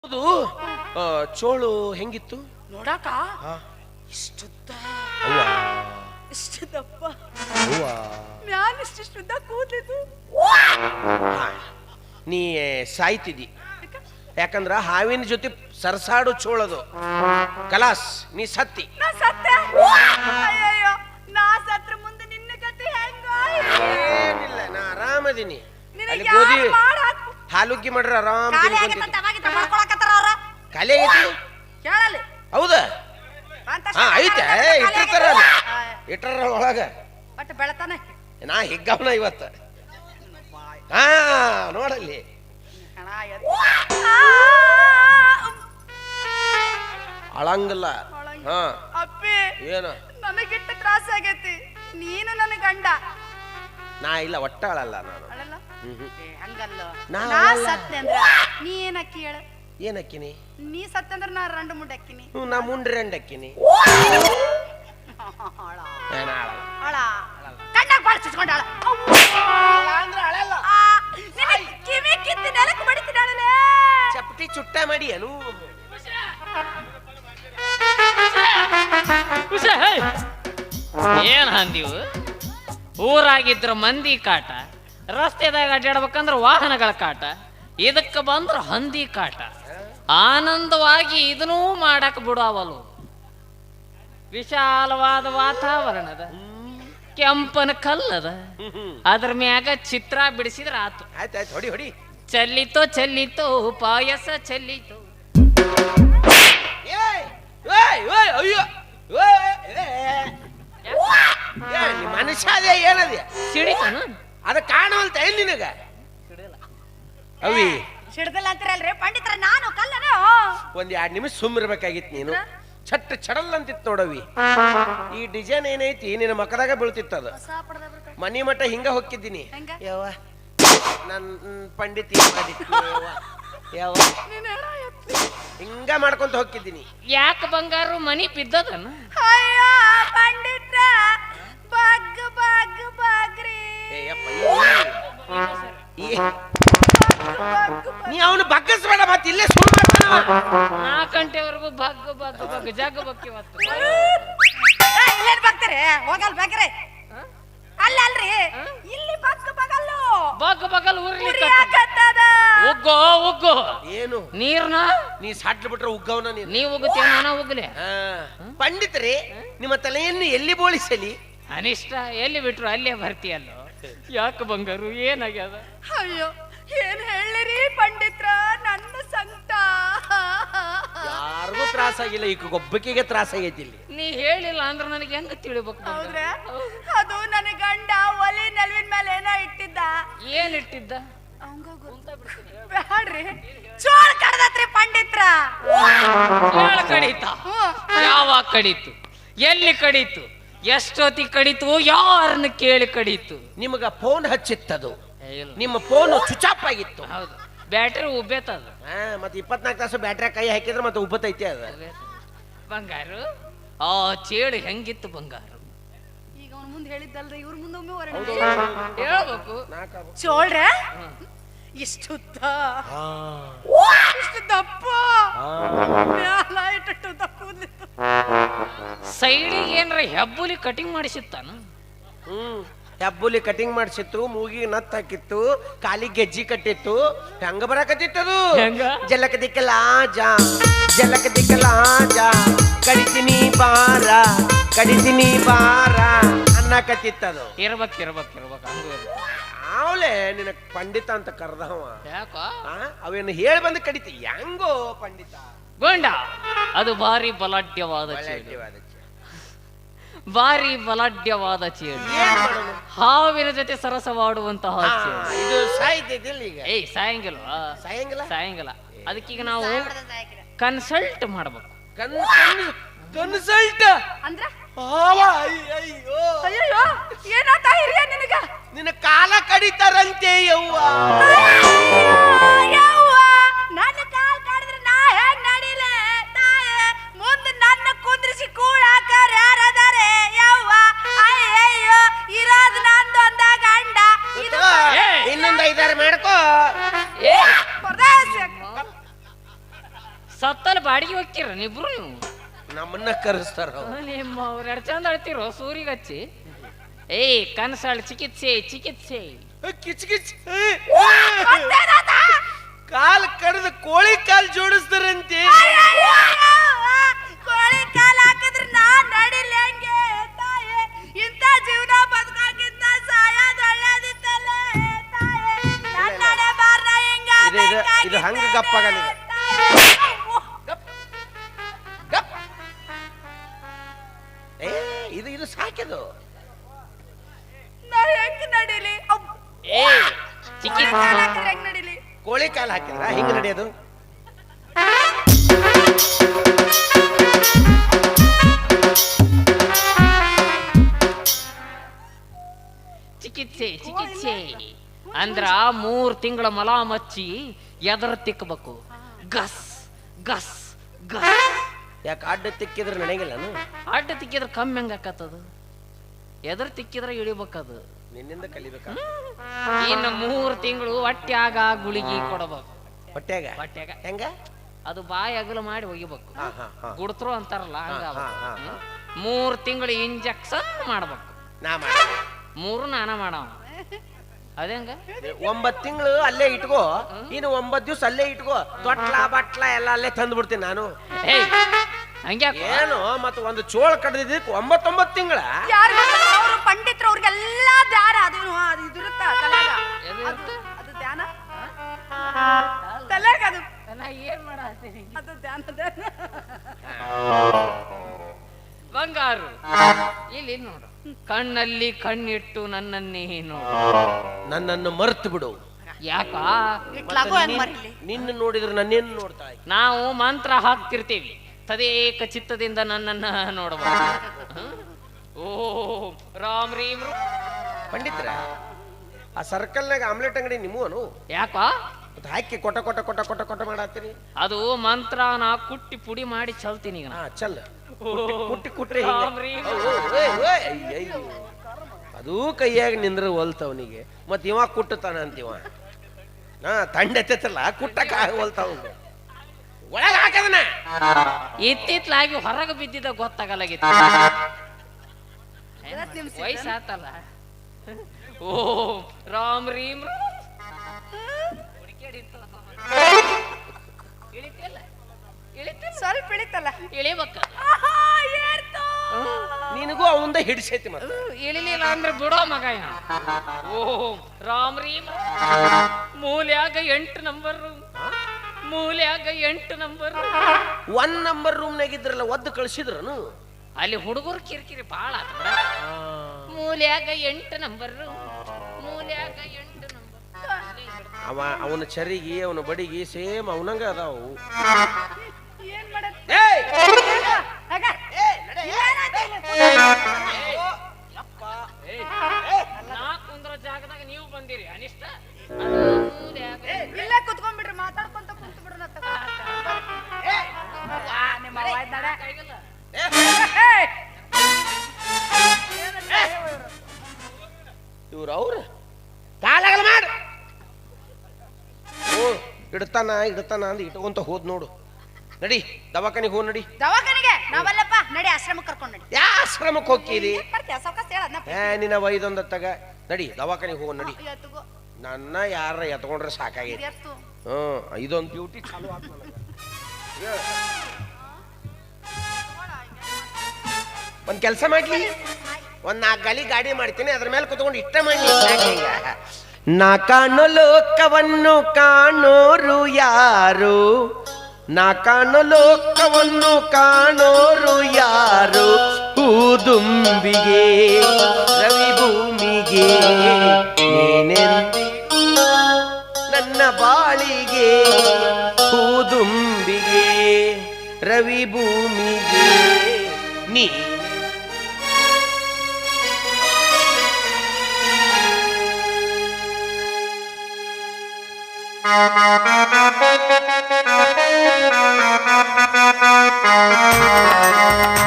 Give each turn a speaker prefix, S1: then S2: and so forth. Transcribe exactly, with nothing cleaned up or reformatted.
S1: ಹೌದು. ಚೋಳು ಹೆಂಗಿತ್ತು
S2: ನೋಡಾಕ? ಇಷ್ಟುದ್ದ, ಇಷ್ಟು ದಪ್ಪ, ಮ್ಯಾಲ ಇಷ್ಟಿಷ್ಟುದ್ದ ಕೂದಲಿದ್ದು.
S1: ನೀ ಸಾಯ್ತಿದ್ದಿ, ಯಾಕಂದ್ರ ಹಾವಿನ ಜೊತೆ ಸರಸಾಡು ಚೋಳದು. ಕಲಾಸ್, ನೀ ಸತ್ತಿ.
S2: ನಾ ಸತ್ತೆ? ಅಯ್ಯಯ್ಯೋ, ನಾ ಸತ್ರ ಮುಂದೆ ನಿನ್ನ ಗತಿ ಹೆಂಗ?
S1: ಏನಿಲ್ಲ, ನಾ ಆರಾಮದೀನಿ.
S2: ನಿನಗೆ
S1: ಗೋಧಿ
S2: ಯಾರು ಮಾಡಾಕ್
S1: ಹಾಲುಗ್ಗಿ ಮಾಡ್ರ ಆರಾಮ್
S2: ಖಾಲಿ ಆಗೈತಂತ ಅವಾಗಿಂದ ಮಾಡ್ಕೊಳಕತ್ತಾರ ಅವ್ರ.
S1: ಖಾಲಿ ಆಗೈತಿ?
S2: ಕೇಳಲಿ.
S1: ಹೌದಾ?
S2: ಅಂತ
S1: ಹಾ ಐತೆ, ಇಟ್ಟಿರ್ತಾರ ಇಟ್ಟರ ಒಳಗ.
S2: ಬಟ್ ಬೆಳತಾನೆ
S1: ನಾ ಹಿಗ್ಗವನ ಇವತ್ತ. ಹಾ ನೋಡಲ್ಲಿ ಅಳಂಗಿಲ್ಲ. ಹಾ
S2: ಅಪ್ಪಿ,
S1: ಏನು
S2: ನನಗಿಟ್ಟ ತ್ರಾಸ ಆಗೈತಿ. ನೀನು ನನ್ನ ಗಂಡ.
S1: ನಾ ಇಲ್ಲ, ಒಟ್ಟ ಅಳಲ್ಲ ನಾನು.
S2: ಅಳಲ್ಲ?
S1: ಹ್ಮ್
S2: ಏ, ಹಂಗಲ್ಲ.
S1: ನಾ
S2: ನಾ
S1: ಅಳಲ್ಲ.
S2: ಸತ್ನೆ ಅಂದ್ರ ನೀ ಏನ್ ಅಕ್ಕಿ ಹೇಳ?
S1: ಏನ್ ಅಕ್ಕಿನಿ?
S2: ನೀ ಸತ್ಯ ಅಂದ್ರ ನಾ ರಂಡು ಮುಂಡೆ ಅಕ್ಕಿನಿ.
S1: ಹ್ಞೂ, ನಾ ಮುಂಡ್ರಿ ಅಂಡ್ ಅಕ್ಕಿನಿ. ಏನ ಅಳಲ್ಲ.
S2: ಅಳ ಕಣ್ಣಾಗ ಬಾಳ ಚುಚ್ಕೊಂಡ ಅಳ. ಕಿವಿ ಕಿತ್ತಿ ನೆಲಕ್ಕೆ ಬಡಿತಿದ್ದಾಳಲೆ.
S1: ಚಪ್ಪಟಿ ಚುಟ್ಟ ಮಾಡಿ ಏನು
S3: ಏನ್ ಹಂದಿವು? ಊರಾಗಿದ್ರ ಮಂದಿ ಕಾಟ, ರಸ್ತೆದಾಗ ಅಡ್ಡಾಡ್ಬೇಕಂದ್ರ ವಾಹನಗಳ ಕಾಟ, ಇದಕ್ಕ ಬಂದ್ರ ಹಂದಿ ಕಾಟ. ಆನಂದವಾಗಿ ಇದನ್ನೂ ಮಾಡಕ್ ಬಿಡಾವಲು. ವಿಶಾಲವಾದ ವಾತಾವರಣದ, ಕೆಂಪನ ಕಲ್ಲದ, ಅದ್ರ ಮ್ಯಾಗ ಚಿತ್ರ ಬಿಡಿಸಿದ್ರ ಆತು.
S1: ಆಯ್ತಾಯ್ತು, ಹೊಡಿ ಹೊಡಿ.
S3: ಚೆಲ್ಲಿತೋ ಚೆಲ್ಲಿತೋ ಪಾಯಸ ಚೆಲ್ಲಿತೋ.
S1: ಏಯ್ ಏಯ್ ಏಯ್ ಅಯ್ಯೋ ಏಯ್, ಏ, ಏ, ನೀ ಮನುಷ್ಯ ಅದೇ ಏನದ
S3: ಸಿಡಿತನ
S1: ಅದ ಕಾಣವಲ್ತ ಏನ್ ನಿನಗ? ಅವಿ
S2: ಸಿಡ್ದಲ್ಲ ಅಂತೀರಲ್ರಿ ಪಂಡಿತರ, ನಾನು ಕಲ್ಲನ.
S1: ಒಂದ್ ಎರಡ್ ನಿಮಿಷ ಸುಮ್ಮಿರ್ಬೇಕಾಗಿತ್ತು ನೀನು. ಚಟ್ ಚಡಲ್ ಅಂತಿತ್ತು ನೋಡವಿ. ಈ ಡಿಸೈನ್ ಏನೈತಿ ನಿನ್ನ ಮಕ್ಕದಾಗ ಬೀಳ್ತಿತ್ತದ. ಮನಿ ಮಠ ಹಿಂಗ ಹೊಕ್ಕಿದ್ದೀನಿ.
S2: ಹೆಂಗ?
S1: ಯಾವ ನನ್ ಪಂಡಿತಿ ಮಾಡಿತ್ತು ಯಾವ ಹಿಂಗ ಮಾಡ್ಕೊಂತ ಹೋಗಿದ್ದೀನಿ.
S3: ಯಾಕೆ ಬಂಗಾರು ಮನಿ ಬಿದ್ದದನ?
S2: ಅಯ್ಯೋ ಪಂಡಿತ್ರ, ಬಗ್ ಬಗ್ ಬಗ್ರಿ.
S1: ನೀ ಅವನು ಬಗ್ಗಸ್ಬೇಡ, ಮತ್ತೆ ಇಲ್ಲೇ ಸುಳ್ಳು ಮಾಡ್ತಾನ.
S3: ನಾಲ್ಕು ಗಂಟೆವರೆಗೂ ಬಗ್ ಬಗ್ ಬಗ್ ಜಗ್ ಬಕ್ಕಿ ಹೊತ್ತು
S2: ಇಲ್ಲೇನ್ ಬಗ್ತಾರೆ? ಹೋಗಲ್ ಬಗ್ರೆ. ಅಲ್ಲ ಅಲ್ರಿ, ಇಲ್ಲಿ ಬಗ್ ಬಗಲ್ಲು
S3: ಬಗ್ ಬಗಲ್ ಉರ್ಲಿ
S2: ಉರಿಯಾಕತ್ತದ.
S3: ಉಗ್ಗೋ ಉಗ್ಗೋ.
S1: ಏನು
S3: ನೀರ್ನ
S1: ನೀ ಸಾಟ್ಲು ಬಿಟ್ರೆ ಉಗ್ಗವನ ನೀನು.
S3: ನೀ ಉಗ್ತೇವ ನಾನ ಉಗ್ಲೆ.
S1: ಪಂಡಿತರೇ, ನಿಮ್ಮ ತಲೆಯನ್ನು ಎಲ್ಲಿ ಬೋಳಿಸಲಿ?
S3: ಅನಿಷ್ಟ ಎಲ್ಲಿ ಬಿಟ್ರು ಅಲ್ಲೇ ಬರ್ತೀಯಲ್ಲೋ. ಯಾಕೆ ಬಂಗಾರು, ಏನಾಗ್ಯದ?
S2: ಅಯ್ಯೋ, ಏನ್ ಹೇಳಿರಿ ಪಂಡಿತ್ರ, ನನ್ನ ಸಂಕಟ.
S1: ಯಾರಿಗೂ ತ್ರಾಸ ಆಗಿಲ್ಲ, ಈಗ ಒಬ್ಬಕಿಗೆ ತ್ರಾಸ ಆಗೈತಿ ಇಲ್ಲಿ.
S3: ನೀ ಹೇಳಿಲ್ಲ ಅಂದ್ರೆ ನನಗೆ ಹೆಂಗ ತಿಳಿಬೇಕು?
S2: ಹೌದ್ರೆ, ಅದು ನನ್ನ ಗಂಡ ಒಲಿ ನೆಲವಿನ ಮೇಲೆ ಏನೋ ಇಟ್ಟಿದ್ದ.
S3: ಏನ್ ಇಟ್ಟಿದ್ದ?
S2: ಬ್ಯಾಡ್ರಿ, ಚೋಳ ಕಡದತ್ರಿ ಪಂಡಿತ್ರ.
S3: ಯಾಳ ಕಡೀತ? ಯಾವಾಗ ಕಡೀತು? ಎಲ್ಲಿ ಕಡೀತು? ಎಷ್ಟೊತ್ತಿ ಕಡೀತು? ಯಾರನ್ನ ಕೇಳಿ ಕಡೀತು?
S1: ನಿಮಗ ಫೋನ್ ಹಚ್ಚಿತ್ತದು, ನಿಮ್ಮ ಫೋನ್ ಸ್ವಿಚ್ ಆಫ್ ಆಗಿತ್ತು.
S3: ಹೌದು, ಬ್ಯಾಟ್ರಿ ಉಬ್ಬೇತದ.
S1: ಹಾ, ಮತ್ತೆ ಇಪ್ಪತ್ನಾಲ್ಕು ತಾಸು ಬ್ಯಾಟ್ರಿ ಕೈ ಹಾಕಿದ್ರೆ ಮತ್ತೆ ಉಬ್ಬತೈತಿ ಅದ.
S3: ಬಂಗಾರು, ಆ ಚೇಳು ಹೆಂಗಿತ್ತು ಬಂಗಾರು?
S2: ಈಗ ಅವ್ನ ಮುಂದೆ ಹೇಳಿದ್ದಲ್ರಿ, ಇವ್ರ ಮುಂದೊಮ್ಮೆ ಹೊರಡ
S3: ಹೇಳ್ಬೇಕು.
S2: ಚೋಳ್ರೆ ಇಷ್ಟುದ್ದ, ಇಷ್ಟು ದಪ್ಪ, ಮ್ಯಾಲ ಇಟ್ಟು ದಪ್ಪ ಕೂದ್ಲಿತ್ತು.
S3: ಸೈಡಿಗೆ ಏನ್ರ ಹೆಬ್ಬುಲಿ ಕಟಿಂಗ್ ಮಾಡಿಸಿತ್ತಾನ?
S1: ಹ್ಮ್, ಹೆಬ್ಬುಲಿ ಕಟಿಂಗ್ ಮಾಡಿಸಿತ್ತು, ಮೂಗಿಗೆ ನತ್ ಹಾಕಿತ್ತು, ಕಾಲಿಗೆ ಗೆಜ್ಜಿ ಕಟ್ಟಿತ್ತು. ಹೆಂಗ ಬರಾಕತ್ತಿತ್ತದು?
S3: ಹೆಂಗ?
S1: ಜಲಕ ದಿಕ್ಕಲ ಜಾ ಜಲಕ ದಿಕ್ಕಲ ಜಾ ಕಡಿತೀನಿ ಬಾರ ಕಡಿತೀನಿ ಬಾರ ಅನ್ನಕತ್ತಿತ್ತದು.
S3: ಇರ್ಬೇಕ್ ಇರ್ಬೇಕ್ ಇರ್ಬೇಕ್ ಹಂಗ
S1: ಅವಳೆ ನಿನ್ನ ಪಂಡಿತ ಅಂತ ಕರ್ದವ.
S3: ಯಾಕ?
S1: ಅವೇನು ಹೇಳಿ ಬಂದು ಕಡಿತಿ ಹೆಂಗೋ ಪಂಡಿತ
S3: ಗೋಂಡ. ಅದು ಭಾರಿ ಬಲಾಢ್ಯವಾದ ಚೇಳು, ಭಾರಿ ಬಲಾಢ್ಯವಾದ ಚೇಳು. ಹಾವಿನ ಜೊತೆ ಸರಸವಾಡುವಂತಹ ಚೇಳು.
S1: ಇದು ಸಾಯ್ತಿದ್ದಿಲ್ಲ ಈಗ.
S3: ಏಯ್ ಸಾಯಂಗಿಲ್ವಾ?
S1: ಸಾಯಂಗಿಲ್ಲ
S3: ಸಾಯಂಗಿಲ್ಲ. ಅದಕ್ಕೀಗ ನಾವು ಕನ್ಸಲ್ಟ್ ಮಾಡ್ಬೇಕು.
S1: ಕನ್ಸಲ್ಟ್
S2: ಅಂದ್ರ
S1: ಅಯ್ಯೋ
S2: ಅಯ್ಯೋ, ಏನಾತ ಹಿರಿಯ ನಿನಗ?
S1: ನಿನ್ನ ಕಾಲ ಕಡಿತಾರಂತೆ ಯವ್ವ.
S2: ಯವ್ವ, ನನ್ನ ಕಾಲ್ ಕಡಿದ್ರೆ ನಾ ಹೆಂಗ್ ನಡಿಲೆ ತಾಯೇ? ಮುಂದೆ ನನ್ನ ಕುಂದ್ರಿಸಿ ಕೂಡಾಕರ ಯಾರದಾರೆ ಯವ್ವ? ಅಯ್ಯಯ್ಯೋ, ಇರೋದು ನಂದು ಒಂದ ಗಂಡ.
S1: ಇನ್ನೊಂದು ಐದಾರು ಮಾಡ್ಕೋ.
S2: ಪರದೇಶ
S3: ಸತ್ತಲ್ಲಿ ಬಾಡಿಗೆ ಹೋಗ್ತೀರ ನೀಬ್ರು ನೀವು
S1: ನಮ್ಮನ್ನ ಕರೆಸ್ತಾರ ಅವ್ರು.
S3: ನಿಮ್ಮ ಅವ್ರು ಎರಡು ಚಂದ ಅಳ್ತಿರೋ ಸೂರಿಗೆ ಹಚ್ಚಿ ಏಯ್ ಕನಸಾಳ್ ಚಿಕಿತ್ಸೆ ಚಿಕಿತ್ಸೆ
S1: ಕಿಚ್ ಕಿಚ್ ಕಾಲ್ ಕಡ್ದು ಕೋಳಿ ಕಾಲ್ ಜೋಡಿಸ್ತಾರಂತೆ.
S2: ಕೋಳಿ ಕಾಲ್ ಹಾಕಿದ್ರೆ ನಾನ್ ನಡಿಲಿ ಹೆಂಗೆ ತಾಯೇ ಇಂಥ ಜೀವನ ಬದುಕಾಗಿಂತ ಸಾಯೋದು ಒಳ್ಳೇದಿತ್ತಲ್ಲ ತಾಯೇ ನನ್ನಡೆ ಬಾರ್ನ ಹಿಂಗ
S1: ಇದು- ಇದು- ಇದು ಹಂಗ ಗಪ್ಪಾಗಲ್ಲ ಇದು. ಗಪ್. ಏ ಇದು ಇದು ಸಾಕಿದು.
S2: ನಾ ಹೆಂಗ್ ನಡಿಲಿ
S3: ಏಯ್ ಚಿಕಿತ್ಸೆ
S2: ಹೆಂಗ್ ನಡಿಲಿ
S1: ಕೋಳಿ ಕಾಲ್ ಹಾಕಿದ್ರ ಹಿಂಗ ನಡೆಯೋದು.
S3: ಚಿಕಿತ್ಸೆ ಚಿಕಿತ್ಸೆ ಅಂದ್ರ ಮೂರ್ ತಿಂಗಳ ಮಲ ಮಚ್ಚಿ ಎದರ ತಿಕ್ಕಬೇಕು ಗಸ್ ಗಸ್ ಗಸ್
S1: ಯಾಕೆ ಅಡ್ಡ ತಿಕ್ಕಿದ್ರೆ ನಡೆಯಂಗಿಲ್ಲನು?
S3: ಅಡ್ಡ ತಿಕ್ಕಿದ್ರೆ ಕಮ್ಮಿ ಹೆಂಗ ಆಕತ್ತದು ಎದ್ರ ತಿಕ್ಕಿದ್ರೆ ಇಳಿಬೇಕದು.
S1: ನಿನ್ನಿಂದ ಕಲಿಬೇಕ.
S3: ಇನ್ನು ಮೂರ್ ತಿಂಗಳು ಹೊಟ್ಯಾಗ ಗುಳಿಗಿ ಕೊಡಬೇಕು.
S1: ಹೊಟ್ಯಾಗ
S3: ಹೊಟ್ಯಾಗ
S1: ಹೆಂಗ?
S3: ಅದು ಬಾಯಿ ಅಗಲ ಮಾಡಿ ಒಗಿಬೇಕು.
S1: ಹಾ ಹಾ ಹಾ
S3: ಗುಡ್ತ್ರು ಅಂತಾರಲ್ಲ ಹಂಗ
S1: ಹಾ, ಹಾ, ಹಾ.
S3: ಮೂರ್ ತಿಂಗಳು ಇಂಜೆಕ್ಷನ್ ಮಾಡ್ಬೇಕು.
S1: ನಾ ಮಾಡಿ
S3: ಮೂರು ನಾನ ಮಾಡವ ಅದೇಂಗ
S1: ಒಂಬತ್ ತಿಂಗಳು ಅಲ್ಲೇ ಇಟ್ಕೋ, ಇನ್ನು ಒಂಬತ್ ದಿವ್ಸ ಅಲ್ಲೇ ಇಟ್ಕೋ. ತೊಟ್ಲ ಬಟ್ಲ ಎಲ್ಲ ಅಲ್ಲೇ ತಂದು ಬಿಡ್ತೀನಿ ನಾನು.
S3: ಏಯ್ ಹಂಗ್ಯಾಕ
S1: ಏನು ಮತ್ತ ಒಂದು ಚೋಳ ಕಡ್ದಿದ್ದಕ್ಕೆ ಒಂಬತ್ತೊಂಬತ್ತು ತಿಂಗಳ.
S2: ಯಾರು ಅವರು ಪಂಡಿತರು ಅವ್ರಿಗೆಲ್ಲ ಧ್ಯಾನ ಅದು ಅದು ಇದಿರುತ್ತ ತಲೆಗ
S3: ಎದು
S2: ಅದು ಅದು ಧ್ಯಾನ ತಲೆಗ ಅದು
S3: ನಾ ಏನ್ ಮಾಡತ್ತೀನಿ
S2: ಅದು ಧ್ಯಾನ ಧ್ಯಾನ
S3: ಬಂಗಾರು ಇಲ್ಲಿ ನೋಡು ಕಣ್ಣಲ್ಲಿ ಕಣ್ಣಿಟ್ಟು ನನ್ನನ್ನೇ ನೋಡು.
S1: ನನ್ನನ್ನು ಮರ್ತು ಬಿಡು.
S3: ಯಾಕ
S2: ಇಟ್ಲಾಗೋ ಹೆಂಗ್ ಮರಿಲಿ
S1: ನಿನ್ನ ನೋಡಿದ್ರೆ ನನ್ನೇನು ನೋಡ್ತಾ ಇದ್ದೆ?
S3: ನಾವು ಮಂತ್ರ ಹಾಕ್ತಿರ್ತೀವಿ ತದೇಕ ಚಿತ್ತದಿಂದ ನನ್ನನ್ನ ನೋಡಬಹುದು. ಓ ರಾಮ್ ರೀಮ್ ರೂ.
S1: ಪಂಡಿತರ ಆ ಸರ್ಕಲ್ನಾಗ ಆಮ್ಲೆಟ್ ಅಂಗಡಿ ನಿಮ್ಮವನು
S3: ಯಾಕ
S1: ಮತ್ತೆ ಹಾಕಿ ಕೊಟ ಕೊಟ ಕೊಟ ಕೊಟ ಕೊಟ ಮಾಡತ್ತೀರಿ.
S3: ಅದು ಮಂತ್ರ ನಾ ಕುಟ್ಟಿ ಪುಡಿ ಮಾಡಿ ಚಲ್ತೀನಿ ಈಗ ನಾ.
S1: ಹಾ ಚಲ್ ಕುಟ್ಟಿ ಕುಟ್ರಿ
S3: ರಾಮ್ ರೀಮ್.
S1: ಅದು ಕೈಯಾಗ ನಿಂದ್ರ ಹೊಲ್ತವನಿಗೆ ಮತ್ ಇವ ಕುಟ್ಟತಾನ ಅಂತಿವ. ಹಾ ತಂಡ ಎತ್ತಲ್ಲ ಕುಟ್ಟಕ ಹೊಲ್ತಾವ ಒಳಗ ಹಾಕದನ.
S3: ಇತ್ತಿತ್ಲಾಗಿ ಹೊರಗೆ ಬಿದ್ದಿದ್ದ ಗೊತ್ತಾಗಲಾಗಿತ್ತು. ವಯಸ್ಸಾತಲ್ಲ. ಓ ರಾಮ್ ರೀಮ್ ರೂ. ಇಳಿತಿಲ್ಲ ಇಳಿತಿಲ್ಲ
S2: ಸ್ವಲ್ಪ ಇಳಿತಲ್ಲ
S3: ಇಳಿಬೇಕ.
S1: ನಿನಗೂ ಅವಂದ ಹಿಡಿಸೈತಿ ಮತ್ತೆ.
S3: ಇಳಿಲಿಲ್ಲ ಅಂದ್ರೆ ಬಿಡೋ ಮಗ ಇವ. ಓ ರಾಮ್ ರೀಮ್ ರೂ. ಮೂಲ್ಯಾಗ ಎಂಟು ನಂಬರ್ ಮೂಲ್ಯಾಗ ಎಂಟು ನಂಬರ್.
S1: ಒನ್ ನಂಬರ್ ರೂಮ್ನಾಗ ಇದ್ರಲ್ಲ ಒದ್ದು ಕಳ್ಸಿದ್ರನು.
S3: ಅಲ್ಲಿ ಹುಡುಗರು ಕಿರಿಕಿರಿ ಬಾಳ ಆತ ಬಿಡ. ಮೂಲ್ಯಾಗ ಎಂಟು ನಂಬರ್ ಮೂಲ್ಯಾಗ ಎಂಟು ನಂಬರ್.
S1: ಅವ ಅವನ ಚರಿಗೆ ಅವನ ಬಡಿಗೆ ಸೇಮ್ ಅವನಂಗ ಅದಾವು.
S2: ಏನ್ ಮಾಡತ್
S1: ಏಯ್!
S2: ಆಗ
S3: ನಾ ಕುಂದ್ರ ಜಾಗದಾಗ ನೀವು ಬಂದಿರಿ ಅನಿಷ್ಟ.
S2: ಇಲ್ಲೇ ಕುತ್ಕೊಂಡ್ಬಿಡ್ರಿ ಮಾತಾಡ್ಕೊಂತ ಕುಂತ ಬಿಡ್ರ ನಿಮ್ಮ ಅವ್ವ ಇದ್ ನಡೆ. ಏಯ್!
S1: ಇವ್ರು ಅವ್ರ ಕಾಲಾಗಲ್ಲ ಮಾಡು. ಓ ಇಡ್ತಾನ ಇಡ್ತಾನ ಅಂದ್ ಇಟ್ಕೊಂತ ಹೋದ್ ನೋಡು. ನಡಿ ದವಾಖಾನಿಗೆ ಹೋಗ್ ನಡಿ.
S2: ದವಾಖಾನಿಗೆ ನಾವಲ್ಲಪ್ಪ ನಡಿ ಆಶ್ರಮಕ್ಕೆ ಕರ್ಕೊಂಡ್ ನಡಿ.
S1: ಯಾ ಆಶ್ರಮಕ್ಕೆ ಹೋಗ್ತೀರಿ?
S2: ಏನ್ ಮಾಡ್ತೀಯ ಸಾವ್ಕಾಸ್ ಹೇಳ ಅದ್ನ
S1: ಏ ನಿನ್ನ ವೈದೊಂದ ತಗ ನಡಿ ದವಾಖಾನಿಗೆ ಹೋಗ್ ನಡಿ.
S2: ಎತ್ತುಗೋ
S1: ನನ್ನ ಯಾರ ಎತ್ಕೊಂಡ್ರೆ ಸಾಕಾಗೈತಿ.
S2: ಎತ್ತು
S1: ಹ್ಮ್ ಇದೊಂದು ಬ್ಯೂಟಿ ಚಾಲು ಆತ್ ನನಗ. ಹೇಳ್. ಒಂದ್ ಕೆಲಸ ಮಾಡ್ಲಿ, ಒಂದ್ ನಾಲ್ಕು ಗಾಲಿ ಗಾಡಿ ಮಾಡ್ತೀನಿ, ಅದ್ರ ಮೇಲೆ ಕುತ್ಕೊಂಡು ಇಷ್ಟ ಮಾಡಿ. ನಾ ಕಾಣೋ ಲೋಕವನ್ನು ಕಾಣೋರು ಯಾರು, ನಾ ಕಾಣೋ ಲೋಕವನ್ನು ಕಾಣೋರು ಯಾರು, ಹೂದುಂಬಿಗೆ ರವಿ ಭೂಮಿಗೆ ನೀನೆಂದಿಗೂ ನನ್ನ ಬಾಳಿಗೆ, ಹೂದುಂಬಿಗೆ ರವಿ ಭೂಮಿಗೆ ನೀ
S4: Thank you.